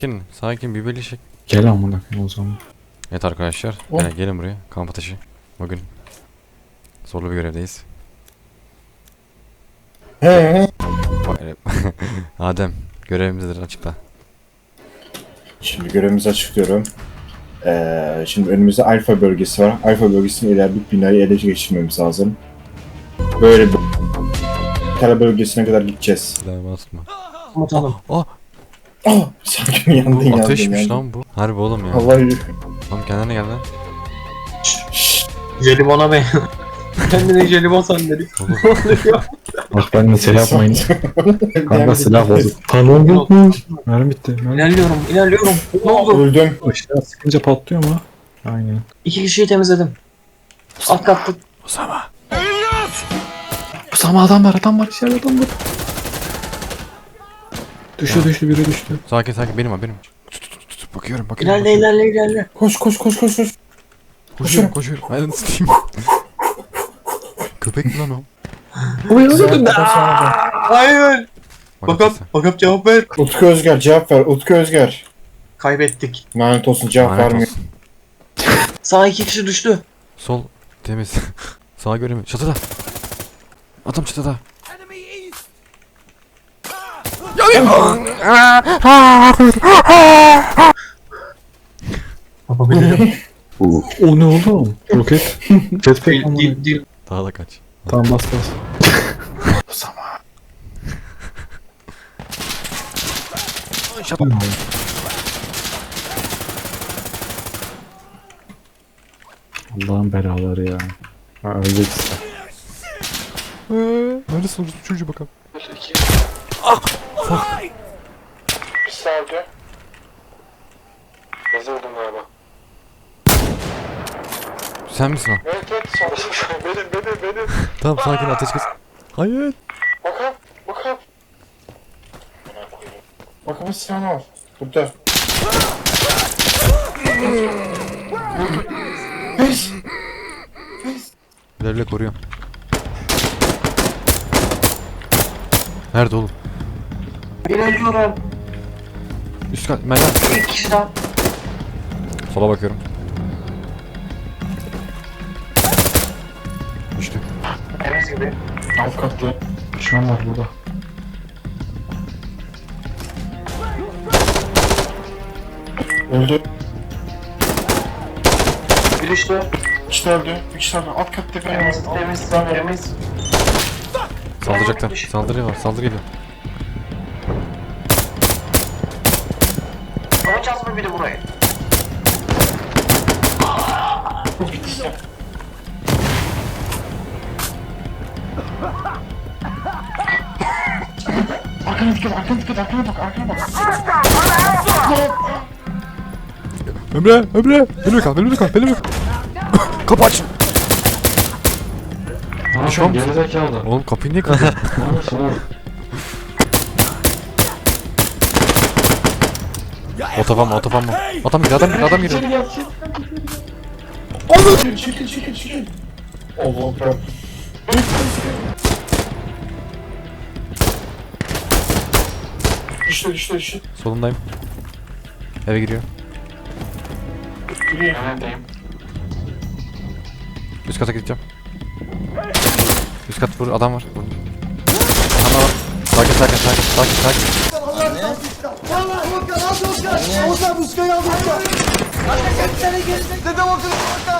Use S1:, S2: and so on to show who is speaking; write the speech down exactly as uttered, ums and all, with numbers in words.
S1: Sakin, sakin bir birleşik.
S2: Gel amına koyayım o zaman.
S1: Evet arkadaşlar,
S2: Oh.
S1: gel, gelin buraya. Kamp ateşi. Bugün zorlu bir görevdeyiz.
S3: He.
S1: Adem, görevimizdir, açıkla.
S3: Şimdi görevimizi açıklıyorum. Ee, şimdi önümüzde Alfa bölgesi var. Alfa bölgesinin ileride binayı ele geçirmemiz lazım. Böyle bir Tele bölgesine kadar gideceğiz.
S1: Silahımı atma.
S2: Atalım.
S1: Oh,
S3: Ah! Sanki yandın
S1: bu
S3: yandın
S1: ateşmiş
S3: yandın.
S1: lan bu. Harbi oğlum ya.
S3: Allah yürü.
S1: Oğlum kendine gel lan.
S4: Jelibona be. Kendine jelibon sandalye.
S1: Oğlum,
S2: Bak ben de şey yapmayın. Kanka silah bozuk. Talon yokmuş. Mermi bitti. Mermi.
S4: İlerliyorum, ilerliyorum. Ne oldu?
S3: Öldüm.
S2: Işığa sıkınca patlıyor mu? Aynen.
S4: İki kişiyi temizledim. Alt katta.
S1: Osama.
S2: Osama adam var adam var içeride adam var. Düştü düştü biri düştü.
S1: Sakin sakin, benim ha benim. Tut, tut, tut, tut. Bakıyorum bakıyorum.
S4: İlerle, ilerle, ilerle.
S3: Koş koş koş koş koş.
S1: Koşuyorum koşuyorum. Ben ısıtayım. Köpek mi lan o?
S2: Uyandı da.
S4: Hayır.
S1: Bak
S4: Bakalım,
S1: sesi.
S4: bakalım cevap ver.
S3: Utku Özger cevap ver. Utku Özger.
S4: Kaybettik.
S3: Lanet olsun cevap
S1: Lanet
S3: vermiyor.
S1: olsun.
S4: Sağ iki kişi düştü.
S1: Sol temiz. Sağa göremiyorum. Çatıda. Adam çatıda.
S4: Yapabilirim.
S2: O ne oğlum? Roket. Jetpack
S4: Dil,
S2: amına.
S4: dil, dil.
S1: Daha da kaç.
S2: Tamam bas bas. Osama. Allah'ın belaları ya. Ha ölecek işte.
S1: Eee, neredesin orası çocuğu bakalım.
S3: Bir saniye. Bizi öldüm galiba.
S1: Sen misin o?
S3: Evet evet sağ benim benim benim.
S1: Tamam sakin, ateş kes. Hayır.
S3: Bakalım bakalım. Bakalım silahını al. Burada. Pes.
S1: Bile bile koruyorum. Nerede oğlum?
S4: İlerliyorum.
S1: Üst kat, Merdiven.
S4: Bir kişi daha.
S1: Sola bakıyorum. Düştü.
S4: Temiz gibi.
S3: Alt katlı.
S2: Düşman var burada.
S3: Öldü.
S4: Bir düştü.
S3: Bir kişi öldü. Bir kişi öldü. Alt katta bir
S4: Temiz, temiz, temiz.
S1: Saldıracaklar. Saldırı var, saldırı geliyor.
S4: Alacağız mı biri burayı?
S3: Arkana dikkat, arkana dikkat, arkana bak, arkana bak.
S1: Emre, Emre. Benimle kal, benimle kal, benimle kal. Kapı aç.
S2: Ne
S1: Düşman
S2: yapıyorsun
S1: mısın?
S2: gerizekalı?
S1: Oğlum kapıyı niye kırdın?
S2: Ne yapıyorsun oğlum?
S1: Otofan mı, otofan mı? Adam geliyor, adam geliyor, adam geliyor.
S3: Çekil, çekil, çekil, çekil. Allah Allah. Düştü, düştü, düştü.
S1: Solundayım. Eve giriyor.
S3: Giriyor.
S1: Üst kata gideceğim. Üst kat vur, adam var. Vur. Adam var. Sakin, sakin, sakin, sakin, sakin.
S5: Anne. Anne.